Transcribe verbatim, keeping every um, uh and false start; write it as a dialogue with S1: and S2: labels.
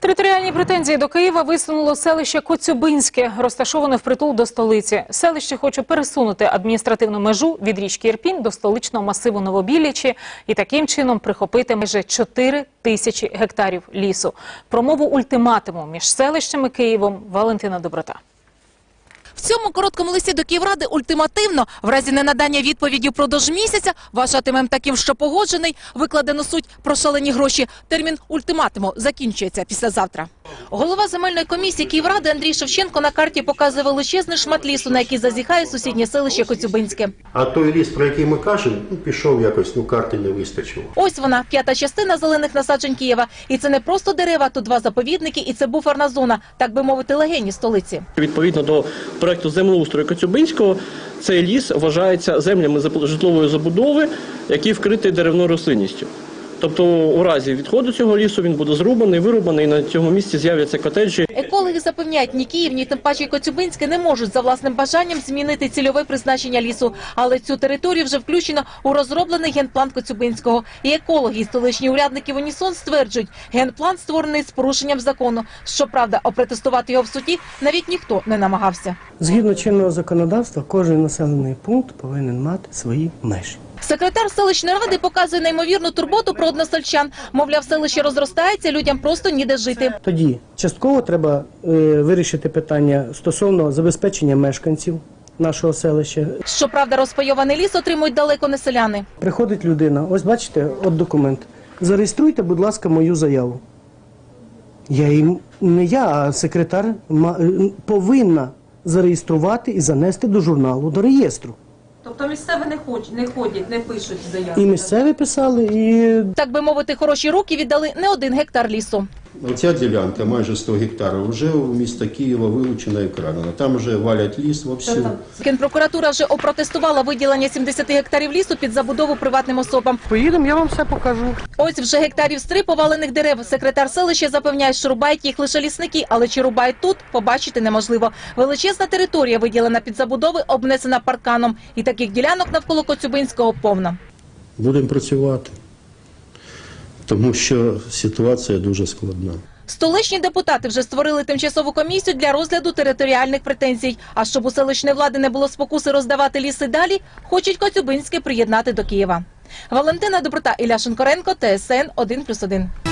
S1: Територіальні претензії до Києва висунуло селище Коцюбинське, розташоване впритул до столиці. Селище хоче пересунути адміністративну межу від річки Ірпінь до столичного масиву Новобіллячі і таким чином прихопити майже чотири тисячі гектарів лісу. Про мову ультиматуму між селищем і Києвом Валентина Доброта.
S2: В цьому короткому листі до Київради ультимативно, в разі ненадання відповіді впродовж місяця, вважатимем таким, що погоджений, викладено суть про шалені гроші. Термін ультиматуму закінчується післязавтра. Голова земельної комісії Київради Андрій Шевченко на карті показує величезний шмат лісу, на який зазіхає сусіднє селище Коцюбинське.
S3: А той ліс, про який ми кажемо, ну, пішов якось, ну карти не вистачило.
S2: Ось вона, п'ята частина зелених насаджень Києва. І це не просто дерева, тут два заповідники, і це буферна зона, так би мовити, легені столиці.
S4: Відповідно до проекту землеустрою Коцюбинського, цей ліс вважається землями житлової забудови, які вкриті деревною рослинністю. Тобто у разі відходу цього лісу він буде зрубаний, вирубаний, і на цьому місці з'являться котеджі.
S2: Екологи запевняють, ні Київ, ні тим паче Коцюбинське не можуть за власним бажанням змінити цільове призначення лісу. Але цю територію вже включено у розроблений генплан Коцюбинського. І екологи, і столичні урядники в унісон стверджують, генплан створений з порушенням закону. Щоправда, опротестувати його в суді навіть ніхто не намагався.
S5: Згідно чинного законодавства, кожен населений пункт повинен мати свої межі.
S2: Секретар селищної ради показує неймовірну турботу про односельчан. Мовляв, селище розростається, людям просто ніде жити.
S5: Тоді частково треба е, вирішити питання стосовно забезпечення мешканців нашого селища.
S2: Щоправда, розпайований ліс отримують далеко не селяни.
S5: Приходить людина, ось бачите, от документ. Зареєструйте, будь ласка, мою заяву. Я їм, не я, а секретар повинна зареєструвати і занести до журналу, до реєстру.
S6: Тобто місцеві не ходять, не ходять, не пишуть заяви?
S5: І місцеві писали, і...
S2: Так би мовити, хороші руки віддали не один гектар лісу.
S3: Оця ділянка, майже сто гектарів, вже у міста Києва вилучена і крадена. Там вже валять ліс вовсю.
S2: Генпрокуратура вже опротестувала виділення сімдесят гектарів лісу під забудову приватним особам.
S5: Поїдемо, я вам все покажу.
S2: Ось вже гектарів з три повалених дерев. Секретар селища запевняє, що рубають їх лише лісники, але чи рубають тут, побачити неможливо. Величезна територія, виділена під забудови, обнесена парканом. І таких ділянок навколо Коцюбинського повно.
S3: Будемо працювати, тому що ситуація дуже складна.
S2: Столичні депутати вже створили тимчасову комісію для розгляду територіальних претензій. А щоб у селищної влади не було спокуси роздавати ліси далі, хочуть Коцюбинське приєднати до Києва. Валентина Доброта, Ілля Шинкоренко, Т С Н один плюс один.